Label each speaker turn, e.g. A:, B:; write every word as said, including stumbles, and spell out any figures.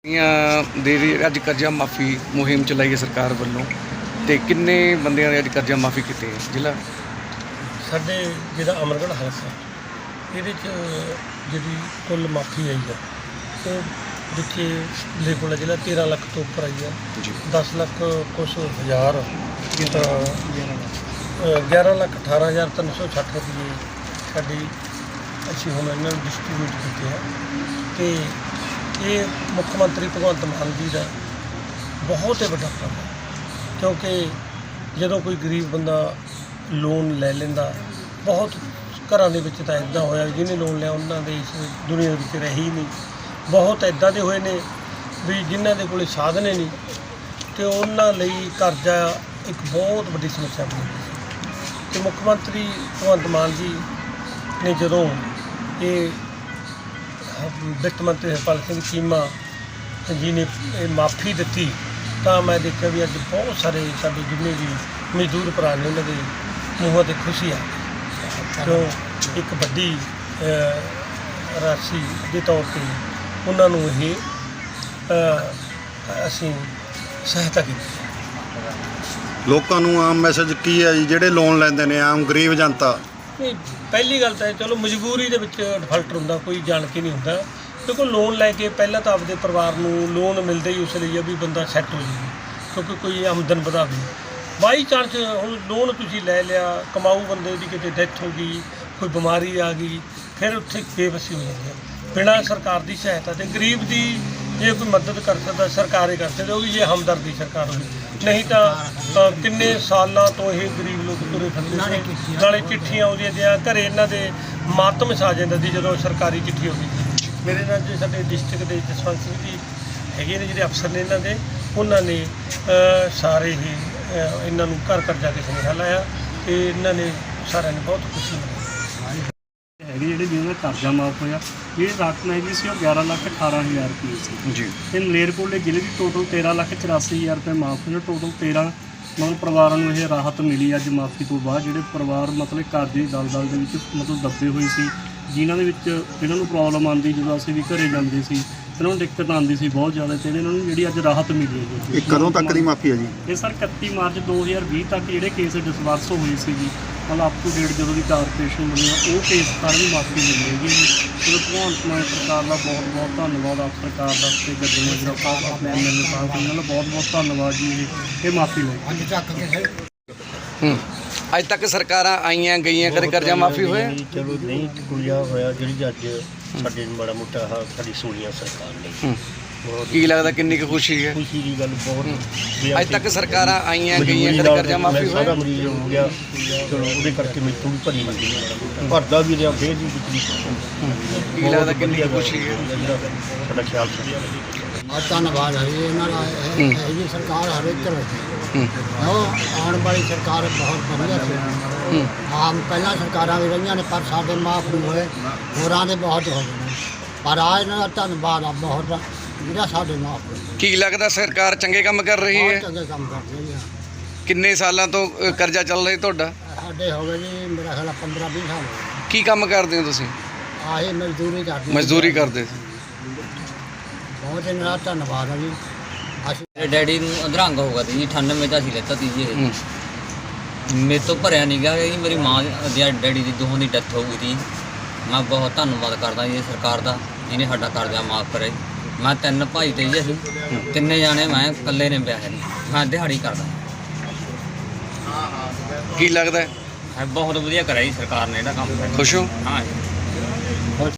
A: ਦੇ ਅੱਜ ਕਰਜ਼ਾ ਮਾਫੀ ਮੁਹਿੰਮ ਚਲਾਈ ਹੈ ਸਰਕਾਰ ਵੱਲੋਂ ਤੇ ਕਿੰਨੇ ਬੰਦਿਆਂ ਦੇ ਅੱਜ ਕਰਜ਼ਾ ਮਾਫੀ ਕੀਤੇ ਹੈ ਜ਼ਿਲ੍ਹਾ
B: ਸਾਡੇ ਜਿਹੜਾ ਅਮਰਗੜ੍ਹ ਹਲਕਾ ਇਹਦੇ 'ਚ ਜਿਹੜੀ ਕੁੱਲ ਮਾਫੀ ਆਈ ਆ ਉਹ ਜਿੱਥੇ ਲੇਖੋਲਾ ਜ਼ਿਲ੍ਹਾ ਤੇਰਾਂ ਲੱਖ ਤੋਂ ਉੱਪਰ ਆਈ ਆ
A: ਜੀ
B: ਦਸ ਲੱਖ ਕੁਛ ਹਜ਼ਾਰ ਗਿਆਰਾਂ ਲੱਖ ਅਠਾਰਾਂ ਹਜ਼ਾਰ ਤਿੰਨ ਸੌ ਛੱਠ ਰੁਪਏ ਸਾਡੀ ਅਸੀਂ ਹੁਣ ਇਹਨਾਂ ਨੂੰ ਡਿਸਟਰੀਬਿਊਟ ਕੀਤੇ ਆ ਤੇ ਇਹ ਮੁੱਖ ਮੰਤਰੀ ਭਗਵੰਤ ਮਾਨ ਜੀ ਦਾ ਬਹੁਤ ਹੀ ਵੱਡਾ ਕੰਮ ਹੈ ਕਿਉਂਕਿ ਜਦੋਂ ਕੋਈ ਗਰੀਬ ਬੰਦਾ ਲੋਨ ਲੈ ਲੈਂਦਾ ਬਹੁਤ ਘਰਾਂ ਦੇ ਵਿੱਚ ਤਾਂ ਇੱਦਾਂ ਹੋਇਆ ਜਿਹਨੇ ਲੋਨ ਲਿਆ ਉਹਨਾਂ ਦੇ ਇਸ ਦੁਨੀਆ ਵਿੱਚ ਰਹੇ ਹੀ ਨਹੀਂ ਬਹੁਤ ਇੱਦਾਂ ਦੇ ਹੋਏ ਨੇ ਵੀ ਜਿਨ੍ਹਾਂ ਦੇ ਕੋਲ ਸਾਧਨ ਹੀ ਨਹੀਂ ਅਤੇ ਉਹਨਾਂ ਲਈ ਕਰਜ਼ਾ ਇੱਕ ਬਹੁਤ ਵੱਡੀ ਸਮੱਸਿਆ ਬਣੀ ਸੀ ਅਤੇ ਮੁੱਖ ਮੰਤਰੀ ਭਗਵੰਤ ਮਾਨ ਜੀ ਨੇ ਜਦੋਂ ਇਹ ਵਿੱਤ ਮੰਤਰੀ ਹਰਪਾਲ ਸਿੰਘ ਚੀਮਾ ਜੀ ਨੇ ਇਹ ਮਾਫੀ ਦਿੱਤੀ ਤਾਂ ਮੈਂ ਦੇਖਿਆ ਵੀ ਅੱਜ ਬਹੁਤ ਸਾਰੇ ਸਾਡੇ ਜਿੰਨੇ ਵੀ ਮਜ਼ਦੂਰ ਭਰਾ ਨੇ ਉਹਨਾਂ ਦੇ ਮੂੰਹਾਂ 'ਤੇ ਖੁਸ਼ੀ ਆ ਕਿਉਂ ਇੱਕ ਵੱਡੀ ਰਾਸ਼ੀ ਦੇ ਤੌਰ 'ਤੇ ਉਹਨਾਂ ਨੂੰ ਇਹ ਅਸੀਂ ਸਹਾਇਤਾ ਕੀਤੀ।
C: ਲੋਕਾਂ ਨੂੰ ਆਮ ਮੈਸੇਜ ਕੀ ਹੈ ਜੀ ਜਿਹੜੇ ਲੋਨ ਲੈਂਦੇ ਨੇ ਆਮ ਗਰੀਬ ਜਨਤਾ?
B: ਨਹੀਂ, ਪਹਿਲੀ ਗੱਲ ਤਾਂ ਚਲੋ ਮਜਬੂਰੀ ਦੇ ਵਿੱਚ ਡਿਫਾਲਟਰ ਹੁੰਦਾ, ਕੋਈ ਜਾਣ ਕੇ ਨਹੀਂ ਹੁੰਦਾ ਕਿਉਂਕਿ ਲੋਨ ਲੈ ਕੇ ਪਹਿਲਾਂ ਤਾਂ ਆਪਦੇ ਪਰਿਵਾਰ ਨੂੰ ਲੋਨ ਮਿਲਦਾ ਹੀ ਉਸ ਲਈ ਆ ਵੀ ਬੰਦਾ ਸੈੱਟ ਹੋ ਜਾਵੇ ਕਿਉਂਕਿ ਕੋਈ ਆਮਦਨ ਵਧਾਵੇ। ਬਾਈ ਚਾਂਸ ਹੁਣ ਲੋਨ ਤੁਸੀਂ ਲੈ ਲਿਆ, ਕਮਾਊ ਬੰਦੇ ਦੀ ਕਿਤੇ ਡੈਥ ਹੋ ਗਈ, ਕੋਈ ਬਿਮਾਰੀ ਆ ਗਈ, ਫਿਰ ਉੱਥੇ ਬੇਵਸੀ ਹੋ ਜਾਂਦੀ ਹੈ। ਬਿਨਾਂ ਸਰਕਾਰ ਦੀ ਸਹਾਇਤਾ ਤੇ ਗਰੀਬ ਦੀ ਜੇ ਕੋਈ ਮਦਦ ਕਰ ਸਕਦਾ ਸਰਕਾਰ ਹੀ ਕਰ ਸਕਦੀ, ਉਹ ਵੀ ਜੇ ਹਮਦਰਦੀ ਸਰਕਾਰ ਹੋਵੇ, ਨਹੀਂ ਤਾਂ ਕਿੰਨੇ ਸਾਲਾਂ ਤੋਂ ਇਹ ਗਰੀਬ ਲੋਕ ਤੁਰੇ ਫਿਰਦੇ ਸੀ। ਨਾਲੇ ਚਿੱਠੀਆਂ ਆਉਂਦੀਆਂ ਜਾਂ ਘਰੇ ਇਹਨਾਂ ਦੇ ਮਾਤਮ ਛਾ ਜਾਂਦਾ ਸੀ ਜਦੋਂ ਸਰਕਾਰੀ ਚਿੱਠੀ ਆਉਂਦੀ ਸੀ। ਮੇਰੇ ਨਾਲ ਜੇ ਸਾਡੇ ਡਿਸਟ੍ਰਿਕਟ ਦੇ ਜਸਵੰਤ ਸਿੰਘ ਜੀ ਹੈਗੇ ਨੇ ਜਿਹੜੇ ਅਫਸਰ ਨੇ ਇਹਨਾਂ ਦੇ, ਉਹਨਾਂ ਨੇ ਸਾਰੇ ਹੀ ਇਹਨਾਂ ਨੂੰ ਘਰ ਘਰ ਜਾ ਕੇ ਸੁਨੇਹਾ ਲਾਇਆ ਅਤੇ ਇਹਨਾਂ ਨੇ ਸਾਰਿਆਂ ਨੇ ਬਹੁਤ ਖੁਸ਼ੀ ਮਨਾਈ
D: ਹੈਗੇ ਜਿਹੜੇ ਜਿਹਨਾਂ ਦਾ ਕਰਜ਼ਾ ਮਾਫ ਹੋਇਆ। ਜਿਹੜੀ ਰਕਮ ਹੈਗੀ ਸੀ ਉਹ ਗਿਆਰਾਂ ਲੱਖ ਅਠਾਰਾਂ ਹਜ਼ਾਰ ਰੁਪਏ ਸੀ
A: ਜੀ
D: ਅਤੇ ਮਲੇਰਕੋਟਲੇ ਜ਼ਿਲ੍ਹੇ ਦੀ ਟੋਟਲ ਤੇਰਾਂ ਲੱਖ ਚੁਰਾਸੀ ਹਜ਼ਾਰ ਰੁਪਏ ਮਾਫ ਹੋਇਆ। ਟੋਟਲ ਤੇਰਾਂ ਮਤਲਬ ਪਰਿਵਾਰਾਂ ਨੂੰ ਇਹ ਰਾਹਤ ਮਿਲੀ ਅੱਜ ਮਾਫੀ ਤੋਂ ਬਾਅਦ। ਜਿਹੜੇ ਪਰਿਵਾਰ ਮਤਲਬ ਕਰਜ਼ੇ ਦੀ ਦਲਦਲ ਦੇ ਵਿੱਚ ਮਤਲਬ ਦੱਬੇ ਹੋਏ ਸੀ, ਜਿਨ੍ਹਾਂ ਦੇ ਵਿੱਚ ਇਹਨਾਂ ਨੂੰ ਪ੍ਰੋਬਲਮ ਆਉਂਦੀ ਜਦੋਂ ਅਸੀਂ ਵੀ ਘਰੇ ਜਾਂਦੇ ਸੀ, ਇਹਨਾਂ ਨੂੰ ਦਿੱਕਤ ਆਉਂਦੀ ਸੀ ਬਹੁਤ ਜ਼ਿਆਦਾ, ਅਤੇ ਇਹਨਾਂ ਨੂੰ ਜਿਹੜੀ ਅੱਜ ਰਾਹਤ ਮਿਲੀ ਹੈ।
C: ਇਹ ਕਦੋਂ ਤੱਕ ਦੀ ਮਾਫੀ ਹੈ ਜੀ?
D: ਇਹ ਸਰ ਇਕੱਤੀ ਮਾਰਚ ਦੋ ਹਜ਼ਾਰ ਵੀਹ ਤੱਕ ਜਿਹੜੇ ਕੇਸ ਡਿਸਬਰਸ ਹੋਏ ਸੀਗੀ, ਮਤਲਬ ਅਪ ਟੂ ਡੇਟ ਜਦੋਂ ਦੀ ਕਾਰਪੋਰੇਸ਼ਨ ਬਣੀ ਆ ਉਹ ਕੇਸ ਸਾਰਿਆਂ ਨੂੰ ਮਾਫੀ ਮਿਲੀ ਹੈਗੀ ਜੀ। ਚਲੋ ਭਗਵੰਤ ਮਾਨ ਸਰਕਾਰ ਦਾ ਬਹੁਤ ਬਹੁਤ ਧੰਨਵਾਦ, ਆਪ ਸਰਕਾਰ ਦਾ ਅਤੇ ਗੱਡੀ ਮਜਰਾ ਸਾਹਿਬ ਆਪਣੇ ਐਮ ਐਲ ਏ ਸਾਹਿਬ ਉਹਨਾਂ ਦਾ ਬਹੁਤ ਬਹੁਤ ਧੰਨਵਾਦ ਜੀ। ਇਹ ਇਹ ਮਾਫੀ ਲਈ
A: ਹੂੰ ਅੱਜ ਤੱਕ ਸਰਕਾਰਾਂ ਆਈਆਂ ਗਈਆਂ ਕਦੇ ਕਰਜ਼ਾ ਮਾਫੀ ਹੋਇਆ?
E: ਚਲੋ ਨਹੀਂ ਕੁੜੀਆ ਹੋਇਆ ਜਿਹੜੀ ਅੱਜ ਸਾਡੇ ਮਾੜਾ ਮੋਟਾ ਆਹ ਸਾਡੀ ਸੋਨੀਆ ਸਰਕਾਰ ਨੇ
A: ਕੀ ਲੱਗਦਾ ਕਿੰਨੀ ਕੁ ਖੁਸ਼ੀ ਹੈ?
E: ਖੁਸ਼ੀ ਦੀ ਗੱਲ ਬਹੁਤ।
A: ਅੱਜ ਤੱਕ ਸਰਕਾਰਾਂ ਆਈਆਂ ਗਈਆਂ ਕਦੇ ਕਰਜ਼ਾ ਮਾਫੀ ਹੋਇਆ?
E: ਸਾਰਾ ਮਰੀਜ਼ ਹੋ ਗਿਆ ਚਲੋ ਉਹਦੇ ਕਰਕੇ ਮੈਨੂੰ ਵੀ ਭਰੀ ਲੱਗੀ ਭਰਦਾ ਵੀ ਰਿਹਾ ਫੇਰ ਵੀ
A: ਕੀ ਲੱਗਦਾ ਕਿੰਨੀ ਕੁ ਖੁਸ਼ੀ ਹੈ?
E: ਸਾਡਾ ਖਿਆਲ ਸੀ।
F: ਬਹੁਤ ਧੰਨਵਾਦ ਹੈ ਜੀ ਇਹਨਾਂ ਦਾ। ਇਹ ਜੀ ਸਰਕਾਰ ਹਰੇਕ ਤਰ੍ਹਾਂ ਉਹ ਆਉਣ ਵਾਲੀ ਸਰਕਾਰ ਬਹੁਤ ਵਧੀਆ ਸੀ। ਆਮ ਪਹਿਲਾਂ ਸਰਕਾਰਾਂ ਵੀ ਰਹੀਆਂ ਨੇ ਪਰ ਸਾਡੇ ਮਾਫ ਨਹੀਂ ਹੋਏ, ਹੋਰਾਂ ਦੇ ਬਹੁਤ ਹੋ ਗਏ ਨੇ, ਪਰ ਆ ਇਹਨਾਂ ਦਾ ਧੰਨਵਾਦ ਆ ਬਹੁਤ ਜਿਹੜਾ ਸਾਡੇ ਮਾਫ ਹੋਏ।
A: ਕੀ ਲੱਗਦਾ ਸਰਕਾਰ ਚੰਗੇ ਕੰਮ ਕਰ ਰਹੀ
F: ਬਹੁਤ
A: ਹੈ?
F: ਚੰਗੇ ਕੰਮ ਕਰ ਰਹੀ ਆ।
A: ਕਿੰਨੇ ਸਾਲਾਂ ਤੋਂ ਅ, ਕਰਜ਼ਾ ਚੱਲ ਰਿਹਾ ਤੁਹਾਡਾ?
F: ਸਾਡੇ ਹੋ ਗਏ ਜੀ ਮੇਰਾ ਖਿਆਲ ਪੰਦਰਾਂ ਵੀਹ ਸਾਲ ਹੋ ਗਏ।
A: ਕੀ ਕੰਮ ਕਰਦੇ ਹੋ ਤੁਸੀਂ?
F: ਆਹੀ ਮਜ਼ਦੂਰੀ ਕਰਦੇ
A: ਮਜ਼ਦੂਰੀ ਕਰਦੇ ਸੀ।
F: ਬਹੁਤ ਇਹਨਾਂ ਦਾ ਧੰਨਵਾਦ ਹੈ ਜੀ। ਅਸੀਂ
G: ਮੇਰੇ ਡੈਡੀ ਨੂੰ ਅਧਰੰਗ ਹੋ ਗਿਆ ਸੀ ਜੀ, ਅਠਾਨਵੇਂ ਦਾ ਸੀ ਲੈਤਾ ਤੀ ਜੀ ਇਹ। ਮੇਰੇ ਤੋਂ ਭਰਿਆ ਨਹੀਂ ਗਿਆ ਜੀ। ਮੇਰੀ ਮਾਂ ਦੀ ਡੈਡੀ ਦੀ ਦੋਹਾਂ ਦੀ ਡੈਥ ਹੋ ਗਈ ਸੀ। ਮੈਂ ਬਹੁਤ ਧੰਨਵਾਦ ਕਰਦਾ ਜੀ ਸਰਕਾਰ ਦਾ ਜਿਹਨੇ ਸਾਡਾ ਕਰਜ਼ਾ ਮਾਫ ਕਰਿਆ। ਮੈਂ ਤਿੰਨ ਭਾਈ ਤੇ ਜੀ ਅਸੀਂ ਤਿੰਨੇ ਜਾਣੇ, ਮੈਂ ਇਕੱਲੇ ਨੇ ਵਿਆਹ ਨਹੀਂ, ਮੈਂ ਦਿਹਾੜੀ ਕਰਦਾ।
A: ਕੀ ਲੱਗਦਾ
G: ਬਹੁਤ ਵਧੀਆ ਕਰਿਆ ਜੀ ਸਰਕਾਰ ਨੇ ਇਹਦਾ ਕੰਮ।
A: ਖੁਸ਼ ਹੋ?
G: ਹਾਂ ਜੀ।